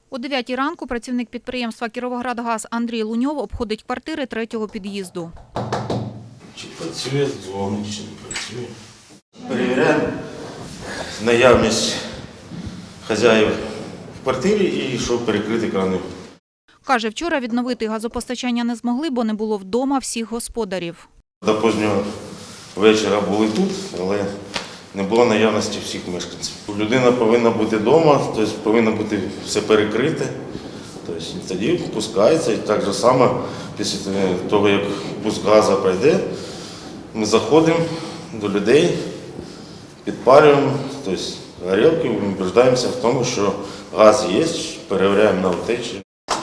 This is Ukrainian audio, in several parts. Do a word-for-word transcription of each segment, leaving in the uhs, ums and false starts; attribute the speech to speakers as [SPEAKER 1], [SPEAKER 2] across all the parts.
[SPEAKER 1] О дев'ятій ранку працівник підприємства «Кіровоградгаз» Андрій Луньов обходить квартири третього під'їзду.
[SPEAKER 2] Чи працює дзвоник, чи не працює. Перевіряємо наявність хазяїв в квартирі і щоб перекрити крани.
[SPEAKER 1] Каже, вчора відновити газопостачання не змогли, бо не було вдома всіх господарів.
[SPEAKER 2] До позднього вечора були тут, але не було наявності всіх мешканців. Людина повинна бути вдома, тобто повинно бути все перекрите. Тобто тоді пускається і так само після того, як пуск газу пройде, ми заходимо до людей, підпалюємо, тобто горілки, убеждаємося в тому, що газ є, перевіряємо на утечі.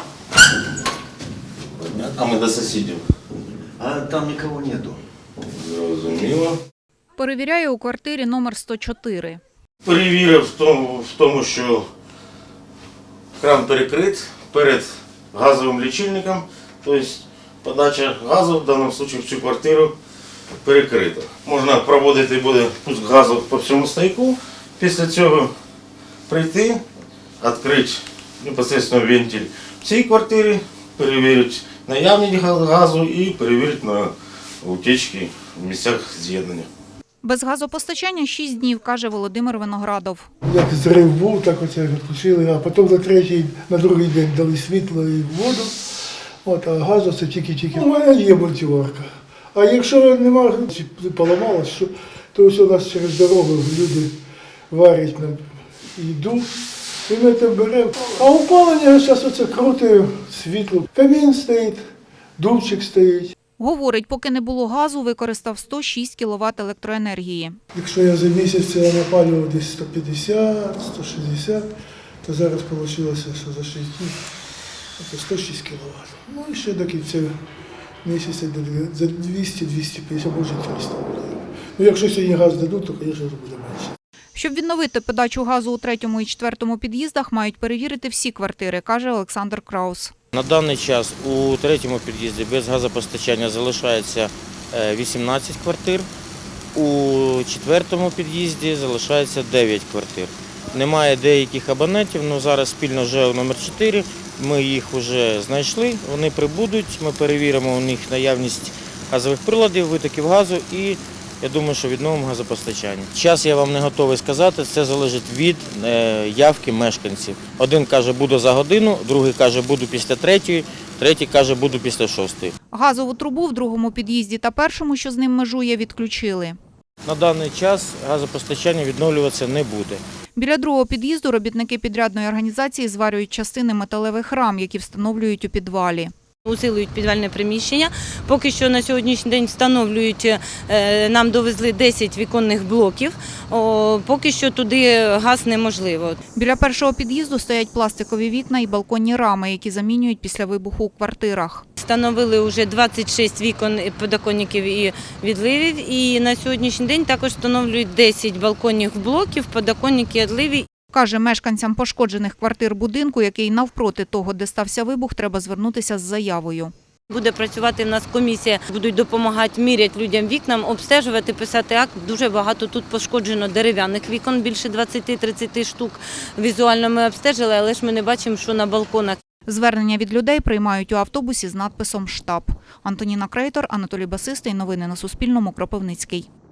[SPEAKER 2] А ми до сусідів.
[SPEAKER 3] А там нікого нету.
[SPEAKER 2] Зрозуміло.
[SPEAKER 1] Перевіряє у квартирі номер сто чотири.
[SPEAKER 2] Перевірив в тому, в тому, що кран перекрит перед газовим лічильником, тобто подача газу в даному випадку в цю квартиру перекрита. Можна проводити буде пуск газу по всьому стояку, після цього прийти, відкрити непосередньо вентиль в цій квартирі, перевірити наявність газу і перевірити на утечки в місцях з'єднання.
[SPEAKER 1] Без газопостачання шість днів, каже Володимир Виноградов.
[SPEAKER 4] Як зрив був, так оце відключили, а потім на третій, на другий день дали світло і воду, от, а газу це тільки-тільки. У мене є мультиварка. А якщо немає, чи поламалось, що, то ось у нас через дорогу люди варять на їду, і ми це беремо. А опалення зараз оце круте, світло. Камін стоїть, дувчик стоїть.
[SPEAKER 1] Говорить, поки не було газу, використав сто шість кіловат електроенергії.
[SPEAKER 4] Якщо я за місяць напалював десь сто п'ятдесят - сто шістдесят, то зараз вийшло, що за шість днів це сто шість кіловат. Ну і ще до кінця місяця за двісті - двісті п'ятдесят, може триста буде. Ну якщо сьогодні газ дадуть, то, звісно, буде менше.
[SPEAKER 1] Щоб відновити подачу газу у третьому і четвертому під'їздах, мають перевірити всі квартири, каже Олександр Краус.
[SPEAKER 5] На даний час у третьому під'їзді без газопостачання залишається вісімнадцять квартир, у четвертому під'їзді залишається дев'ять квартир. Немає деяких абонентів, але зараз спільно з ЖЕО номер чотири ми їх вже знайшли, вони прибудуть, ми перевіримо у них наявність газових приладів, витоків газу і я думаю, що відновимо газопостачання. Час я вам не готовий сказати, це залежить від явки мешканців. Один каже, буду за годину, другий каже, буду після третьої, третій каже, буду після шостої.
[SPEAKER 1] Газову трубу в другому під'їзді та першому, що з ним межує, відключили.
[SPEAKER 5] На даний час газопостачання відновлюватися не буде.
[SPEAKER 1] Біля другого під'їзду робітники підрядної організації зварюють частини металевих рам, які встановлюють у підвалі.
[SPEAKER 6] Усилюють підвальне приміщення. Поки що на сьогоднішній день встановлюють, нам довезли десять віконних блоків, поки що туди газ неможливо.
[SPEAKER 1] Біля першого під'їзду стоять пластикові вікна і балконні рами, які замінюють після вибуху у квартирах.
[SPEAKER 6] Встановили вже двадцять шість вікон, подоконників і відливів, і на сьогоднішній день також встановлюють десять балконних блоків, подоконники і відливи.
[SPEAKER 1] Каже, мешканцям пошкоджених квартир будинку, який навпроти того, де стався вибух, треба звернутися з заявою.
[SPEAKER 6] Буде працювати в нас комісія, будуть допомагати міряти людям вікнам, обстежувати, писати акт. Дуже багато тут пошкоджено дерев'яних вікон, більше двадцять - тридцять штук. Візуально ми обстежили, але ж ми не бачимо, що на балконах.
[SPEAKER 1] Звернення від людей приймають у автобусі з надписом «Штаб». Антоніна Крейтор, Анатолій Басистий. Новини на Суспільному. Кропивницький.